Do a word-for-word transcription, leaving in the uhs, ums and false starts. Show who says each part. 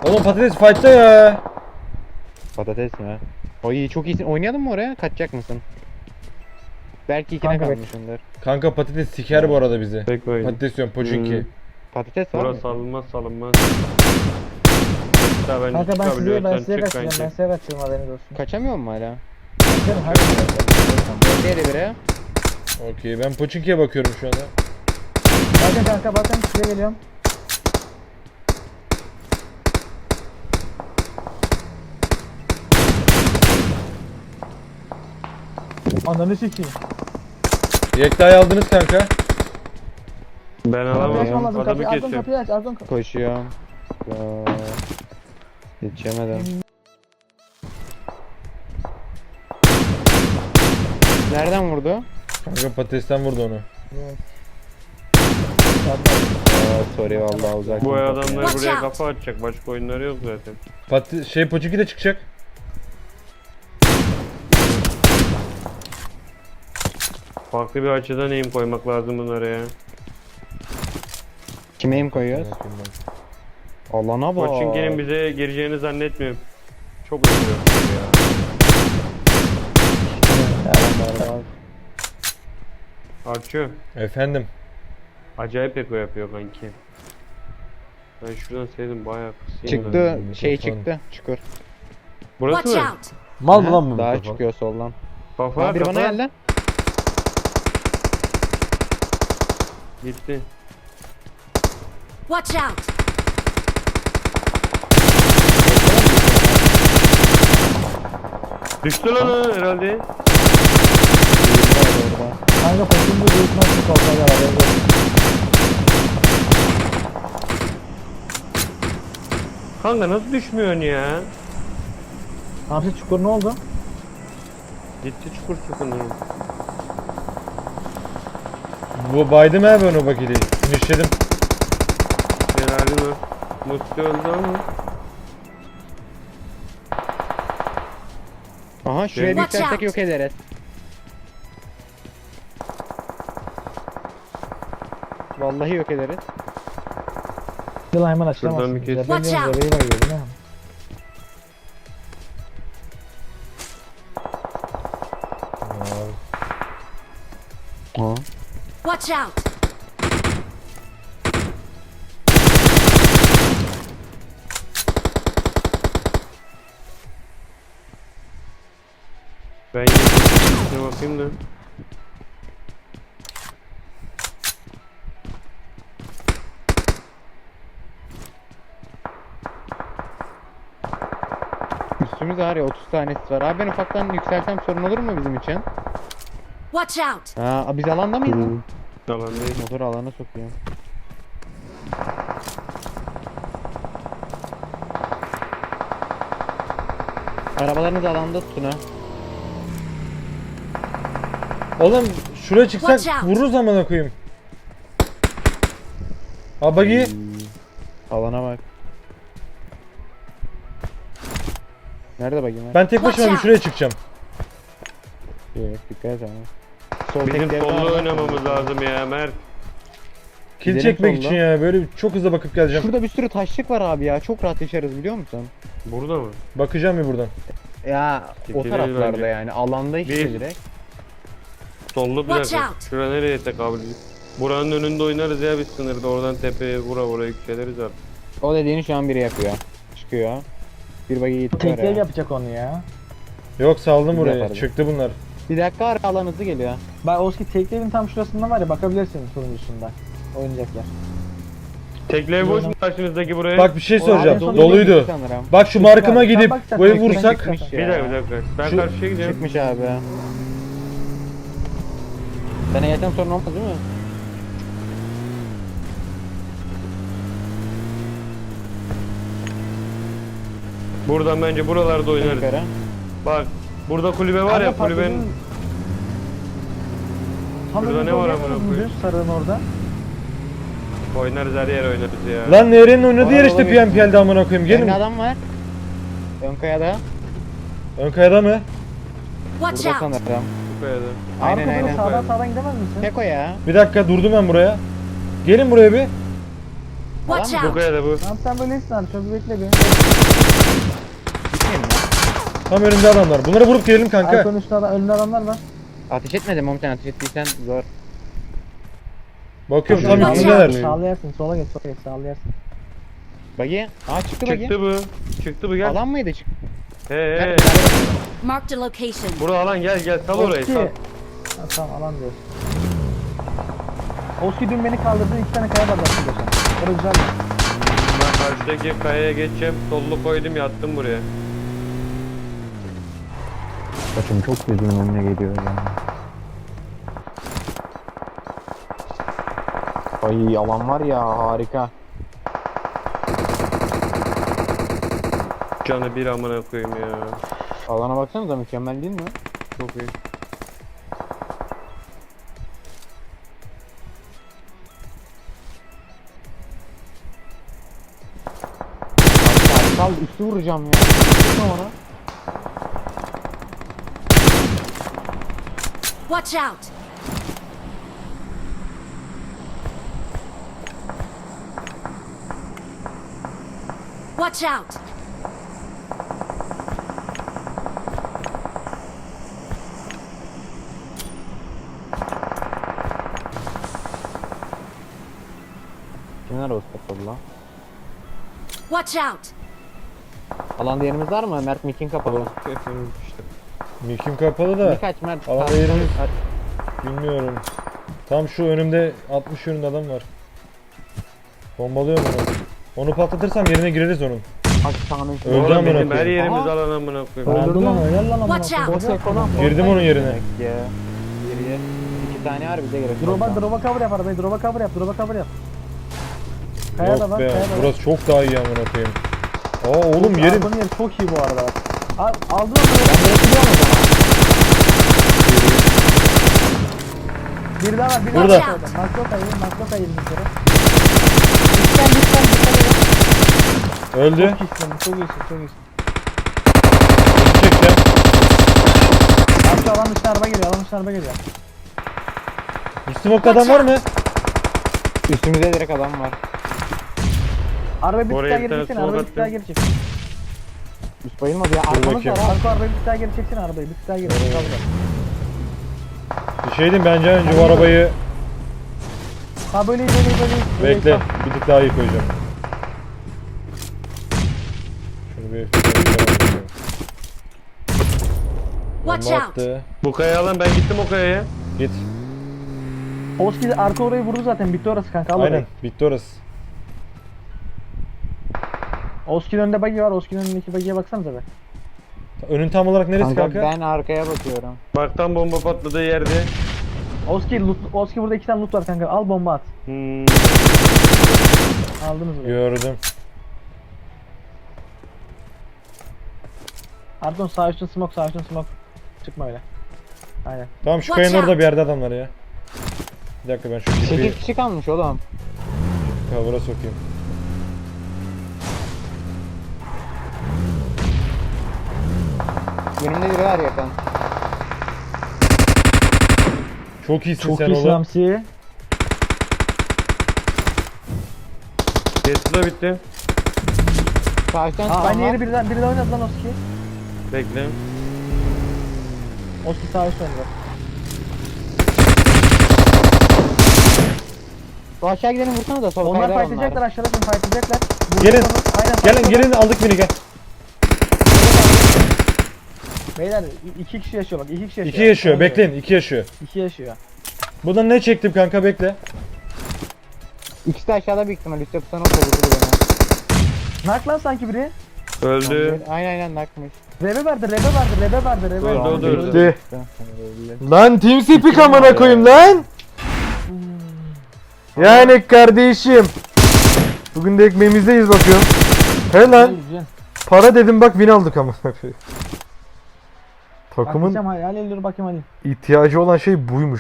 Speaker 1: Oğlum patates fight'ta ya.
Speaker 2: Patates mi? Oy çok iyisin. Oynayalım mı oraya? Kaçacak mısın? Belki ikine
Speaker 3: Kanka,
Speaker 2: kalmışsındır.
Speaker 1: Kanka patates siker bu arada bizi.
Speaker 4: Tek oyun.
Speaker 1: Patates diyorum Pochinki.
Speaker 4: Hmm.
Speaker 2: Patates var mı?
Speaker 4: Burası salınmaz salınmaz. Hatta ben
Speaker 3: Kanka ben size ben
Speaker 4: çıkabiliyorsan
Speaker 3: size
Speaker 4: çık
Speaker 3: kaçacağım. Ben
Speaker 4: bence.
Speaker 3: size kaçıyorum, haberiniz olsun.
Speaker 2: Kaçamıyor mu hala?
Speaker 3: Kaçarım, hadi.
Speaker 2: Nerede bire?
Speaker 1: Okey ben Pochinki'ye bakıyorum şu anda.
Speaker 3: Bakın kanka, bakın size geliyorum. Ananı sikeyim.
Speaker 1: Yekta'yı aldınız kanka.
Speaker 4: Ben
Speaker 3: Kapıyı
Speaker 4: alamam.
Speaker 3: açmam lazım.
Speaker 4: Adamı
Speaker 3: Kapıyı açtım,
Speaker 4: kesiyorum.
Speaker 3: kapıyı aç. Açtım kapıyı.
Speaker 2: Koşuyorum. Aa, Yetişemedim. Nereden vurdu?
Speaker 1: Kanka patatesten vurdu onu.
Speaker 2: Aa, sorry vallahi uzak.
Speaker 4: Bu adamlar
Speaker 5: Watch
Speaker 4: buraya
Speaker 5: out.
Speaker 4: kafa atacak. Başka oyunları yok zaten.
Speaker 1: Pat şey Pochinki de çıkacak.
Speaker 4: Farklı bir açıdan eğim koymak lazım bunlara ya.
Speaker 2: Kime im koyuyoruz? Allah'ına bak.
Speaker 4: Pochinki'nin bize gireceğini zannetmiyorum. Çok üzülüyorum ya. Arçı.
Speaker 1: Efendim.
Speaker 4: Acayip eko yapıyor kanki. Ben şuradan sevdim bayağı kısayım.
Speaker 2: Çıktı
Speaker 1: Mikrofon.
Speaker 2: şey çıktı çukur.
Speaker 4: Burası
Speaker 5: Watch
Speaker 4: mı?
Speaker 5: out!
Speaker 1: Mal
Speaker 2: Aha,
Speaker 1: mı lan bu
Speaker 2: daha
Speaker 1: mikrofon?
Speaker 2: çıkıyor soldan.
Speaker 4: Kafa
Speaker 2: Aa, biri
Speaker 4: kafa.
Speaker 2: bana geldi.
Speaker 4: Gitti.
Speaker 5: Watch out!
Speaker 4: Düştü lan o herhalde.
Speaker 3: Kanka koşun bu büyük nasıl koltuğa gel, haberiniz olsun.
Speaker 4: Kanka nasıl düşmüyorsun ya?
Speaker 3: Hamsi çukur ne oldu?
Speaker 4: Gitti çukur çukur.
Speaker 1: Bu baydım ha ben o bakili. Finishledim.
Speaker 4: Herhalde mi? Mutlu öldü ama.
Speaker 2: Aha şuraya bir
Speaker 5: Watch
Speaker 2: yükseltsek
Speaker 5: out.
Speaker 2: yok ederiz. Vallahi yok ederiz.
Speaker 3: Yılan hemen açılamazsın.
Speaker 4: Şuradan bir kes.
Speaker 3: Ben
Speaker 5: Watch
Speaker 3: diyorum,
Speaker 5: out.
Speaker 3: bebeği var gördün ha.
Speaker 2: Ha.
Speaker 5: Watch out!
Speaker 4: Ben yine bakayım da.
Speaker 2: Üstümüzde var ya otuz tanesi var. Abi ben ufaktan yükseltsem sorun olur mu bizim için?
Speaker 5: Watch out!
Speaker 2: Ha, biz alanda mıyız lan?
Speaker 4: Yalan değil.
Speaker 2: Motor alana sokuyor. Arabalarınız alanda tutun ha.
Speaker 1: Oğlum şuraya çıksak
Speaker 5: Watch out.
Speaker 1: vururuz amına koyayım. Ha bagi.
Speaker 2: Alana bak. Nerede bakayım?
Speaker 1: Ben tek başıma
Speaker 5: Watch
Speaker 1: bir
Speaker 5: out.
Speaker 1: şuraya çıkacağım.
Speaker 2: Evet, dikkat et ama. Sol
Speaker 4: Bizim
Speaker 2: tekleri
Speaker 4: sollu
Speaker 2: var.
Speaker 4: oynamamız lazım ya Mert.
Speaker 1: Kill
Speaker 2: Gidelim
Speaker 1: çekmek
Speaker 2: solda.
Speaker 1: için ya böyle çok hızlı bakıp geleceğim.
Speaker 2: Şurada bir sürü taşlık var abi ya. Çok rahat yaşarız biliyor musun?
Speaker 4: Burada mı?
Speaker 1: Bakacağım bir buradan.
Speaker 2: Ya o
Speaker 4: Gidelim
Speaker 2: taraflarda
Speaker 4: bence.
Speaker 2: yani. Alanda işte
Speaker 4: Bir-
Speaker 2: direkt.
Speaker 4: Sollu bir
Speaker 5: Watch
Speaker 4: dakika.
Speaker 5: out.
Speaker 4: Şura nereye tekabül ediyor? Buranın önünde oynarız ya biz sınırda. Oradan tepeye vura vura yükseliriz artık.
Speaker 2: O dediğini şu an biri yapıyor. Çıkıyor. Bir bagi gitti
Speaker 3: Tek
Speaker 2: oraya.
Speaker 3: ev yapacak onu ya.
Speaker 1: Yok saldım
Speaker 2: Biz
Speaker 1: burayı.
Speaker 2: yaparız.
Speaker 1: Çıktı bunlar.
Speaker 2: Bir dakika ara alan hızlı geliyor.
Speaker 3: Bak Oski tek evin tam şurasında var ya, bakabilirsin turuncusunda. Oynayacaklar.
Speaker 4: Teklev boş mu karşınızdaki buraya?
Speaker 1: Bak bir şey
Speaker 3: O
Speaker 1: soracağım.
Speaker 3: abi son
Speaker 1: Doluydu.
Speaker 2: Sanırım.
Speaker 1: Bak şu
Speaker 3: Çıkmış
Speaker 1: markıma
Speaker 3: abi. Sen
Speaker 1: gidip
Speaker 3: bak sen
Speaker 1: bu evi
Speaker 3: tekrar
Speaker 1: vursak.
Speaker 3: çıkmış.
Speaker 4: Bir dakika bir dakika. Ben
Speaker 1: Şu-
Speaker 4: karşıya gideceğim.
Speaker 2: Çıkmış abi. Sana yeten sorun olmaz değil mi?
Speaker 4: Buradan bence buralarda oynarız.
Speaker 2: Yukarı.
Speaker 4: Bak burada kulübe var ya
Speaker 3: Kanka
Speaker 4: kulübenin.
Speaker 3: patladın. Tam
Speaker 4: Şurada
Speaker 3: önünde
Speaker 4: ne var
Speaker 3: oynayamaz
Speaker 4: amına
Speaker 3: mı
Speaker 4: koyayım?
Speaker 3: düz sarığın orada?
Speaker 4: Oynarız her yer oynarız ya.
Speaker 1: Lan Nehri'nin oynadığı yer
Speaker 2: Var,
Speaker 1: işte
Speaker 2: olabilir.
Speaker 1: P M P L'de amına koyayım.
Speaker 2: Gelin.
Speaker 1: Gelin.
Speaker 2: adam var. Ön kayada.
Speaker 1: Ön kayada mı?
Speaker 5: Watch
Speaker 2: Burada
Speaker 5: out!
Speaker 2: sanırım.
Speaker 4: Bu kayada.
Speaker 2: Aynen
Speaker 3: Arka
Speaker 2: aynen.
Speaker 3: sağdan sağdan gidemez misin?
Speaker 2: Tek o ya.
Speaker 1: Bir dakika durdum ben buraya. Gelin buraya bir.
Speaker 5: Watch
Speaker 2: Tamam,
Speaker 4: Bu
Speaker 5: out!
Speaker 4: kayada bu.
Speaker 3: Tamam sen böyle iyisin abi. Çok bekle bir.
Speaker 2: Gitmeyelim ya.
Speaker 1: Tam önümde adamlar. Bunları vurup gelelim kanka.
Speaker 3: Arkanın üstünde adam, önünde adamlar var.
Speaker 2: Ateş etmedim oğlum, sen ateş ettiysen zor.
Speaker 1: Bakıyorum
Speaker 5: Watch
Speaker 1: tam
Speaker 5: out.
Speaker 1: üstündeler.
Speaker 3: Sağlı yersin. Sola geç. Sola geç. Sağlı yersin.
Speaker 2: Bagi. Aa çıktı bagi.
Speaker 4: Çıktı bu. Çıktı bu gel.
Speaker 2: Alan mıydı çıktı?
Speaker 4: He he.
Speaker 5: Marked a location.
Speaker 4: Burada alan gel gel sal orayı
Speaker 3: Oski.
Speaker 4: sal.
Speaker 3: Ha, tamam alan diyorsun. Oski dün beni kaldırdı. iki tane kaya var zaten geçen. Orada güzel mi?
Speaker 4: Ben karşıdaki kayaya geçeceğim. Sollu koydum yattım buraya.
Speaker 2: Saçım çok gözümün önüne geliyor ya. Ay alan var ya, harika.
Speaker 4: Canı bir amına koyayım ya.
Speaker 2: Alana baksanıza, mükemmel değil mi?
Speaker 4: Çok iyi.
Speaker 2: Sal, sal üstü vuracağım ya. Vurma ona.
Speaker 5: Watch out! Watch out!
Speaker 2: Kimler o kapalı lan?
Speaker 5: Watch out!
Speaker 2: Alanda yerimiz var mı? Mert Mikin kapalı.
Speaker 4: Efendim işte.
Speaker 1: Mikim kapalı da.
Speaker 2: Birkaç Mert.
Speaker 1: Alanda
Speaker 2: sağ-
Speaker 1: yerimiz-
Speaker 2: sağ-
Speaker 1: Bilmiyorum. Tam şu önümde altmış yönünde adam var. Bombalıyorum onu. Onu patlatırsam yerine gireriz onun.
Speaker 2: Bak sağının içinde.
Speaker 1: Öldü
Speaker 4: Oğlum
Speaker 1: amına
Speaker 4: bizim her
Speaker 1: koyayım.
Speaker 4: yerimiz
Speaker 2: Aha.
Speaker 4: alan amına koyayım.
Speaker 3: Öldü lan. Helal lan amına
Speaker 5: Watch
Speaker 3: koyayım.
Speaker 5: out.
Speaker 2: Orta ekonom.
Speaker 1: Girdim onun yerine.
Speaker 2: Ya. Geriye. İki tane var, bize gerek.
Speaker 3: Drop'a
Speaker 2: yok.
Speaker 3: drop'a cover yap arabayı. Drop'a cover yap. Drop'a cover yap. Kaya da
Speaker 1: Yok
Speaker 3: var.
Speaker 1: be.
Speaker 3: Kaya da var.
Speaker 1: Burası çok daha iyi amına koyayım. Aa oğlum
Speaker 3: Çok-
Speaker 1: yerin.
Speaker 3: Arkonun yeri çok iyi bu arada. Al, aldın onu.
Speaker 2: Ben bırakılıyorum o zaman.
Speaker 3: Bir daha var. Bir
Speaker 1: Burada.
Speaker 3: daha var. Makro kayayım. Makro kayayım bir kere. Lütfen lütfen lütfen.
Speaker 1: Öldü.
Speaker 3: Çok iyisin. Çok iyisin. Çok iyisin.
Speaker 1: Bizi çekeceğim.
Speaker 3: Arka alan dışına araba geliyor. Alan dışına araba geliyor.
Speaker 1: Üst smoke'da adam var mı?
Speaker 2: Üstümüzde direkt adam var.
Speaker 3: Araba bir tık
Speaker 4: Oraya
Speaker 3: daha
Speaker 4: bir
Speaker 3: geri
Speaker 4: tane
Speaker 3: çeksin.
Speaker 4: smoke
Speaker 3: Arabayı bir tık daha
Speaker 4: attım.
Speaker 3: geri çek.
Speaker 2: Üst bayılmadı ya. Arkamız
Speaker 1: bakayım.
Speaker 2: var ha.
Speaker 3: Arka arabayı bir tık daha geri çeksin. Arabayı bir tık daha geri. Kaldır.
Speaker 1: Bir şey diyeyim bence önce bu arabayı
Speaker 3: Ha böyle iyi böyle iyi böyle iyi. Böyle iyi,
Speaker 1: bekle.
Speaker 3: tamam.
Speaker 1: Bir tık daha iyi koyacağım. Şunu bir
Speaker 5: Watch
Speaker 1: Bomba
Speaker 5: out!
Speaker 1: attı.
Speaker 4: Bu kayaya alan ben gittim o kayaya.
Speaker 1: Git.
Speaker 3: Oski arka orayı vurdu zaten. Bitti orası kanka. Al
Speaker 1: Aynen.
Speaker 3: orayı.
Speaker 1: Bitti orası.
Speaker 3: Oski'nin önünde buggy var. Oski'nin önündeki buggy'ye baksanıza be.
Speaker 1: Önün tam olarak neresi
Speaker 2: Kanka,
Speaker 1: kanka?
Speaker 2: ben arkaya bakıyorum.
Speaker 4: Baktan bomba patladığı yerde.
Speaker 3: Oski loot, Oski burada iki tane loot var kanka. Al bomba at.
Speaker 4: Hmm.
Speaker 3: Aldınız mı?
Speaker 1: Gördüm.
Speaker 3: Pardon sağ üstün smoke sağ üstün smoke. Çıkma öyle. Aynen.
Speaker 1: Tamam şu
Speaker 5: Watch
Speaker 1: kayanın orada
Speaker 5: out.
Speaker 1: bir yerde adam var ya. Bir dakika ben şu ipi
Speaker 2: sekiz kişi kalmış oğlum.
Speaker 1: cover'a sokayım.
Speaker 2: Önümde biri var yakın.
Speaker 1: Çok iyisin
Speaker 3: Çok
Speaker 1: sen
Speaker 3: iyisin
Speaker 1: oğlum.
Speaker 3: Hamsi.
Speaker 4: Tesla bitti.
Speaker 2: Sağ üstten
Speaker 3: Aa, aynı
Speaker 2: çıkan var.
Speaker 3: yeri birden biri de oynadı lan Oski.
Speaker 4: Bekle.
Speaker 3: Oski sağ üst oynadı.
Speaker 2: Bu aşağı gidelim, vursana da sol
Speaker 3: Onlar
Speaker 2: kayada
Speaker 3: fightlayacaklar aşağıda şimdi fightlayacaklar.
Speaker 1: Gelin.
Speaker 3: Vurduk onu. Aynen
Speaker 1: Gelin
Speaker 3: fightlayacaklar.
Speaker 1: gelin aldık beni gel.
Speaker 3: Beyler i- iki kişi yaşıyor bak iki kişi yaşıyor.
Speaker 1: İki yaşıyor
Speaker 3: Olmuyor.
Speaker 1: bekleyin iki yaşıyor.
Speaker 3: İki yaşıyor.
Speaker 1: Buradan ne çektim kanka bekle.
Speaker 2: İkisi de aşağıda büyük ihtimal. Üstte tutan o kovuldu beni.
Speaker 3: Nak lan sanki biri.
Speaker 4: Öldü.
Speaker 2: Aynen aynen nakmış.
Speaker 3: Rebe vardı rebe vardı rebe vardı rebe
Speaker 4: Öldü,
Speaker 3: vardı.
Speaker 4: öldü, öldü.
Speaker 1: Bitti. Lan Team Speak amına koyayım lan. Yani kardeşim. Bugün de ekmeğimizdeyiz bakıyorum. He lan.
Speaker 3: Güzel.
Speaker 1: Para dedim bak win aldık amına koyayım. Takımın
Speaker 3: Bakacağım hadi, hadi dur bakayım hadi.
Speaker 1: ihtiyacı olan şey buymuş.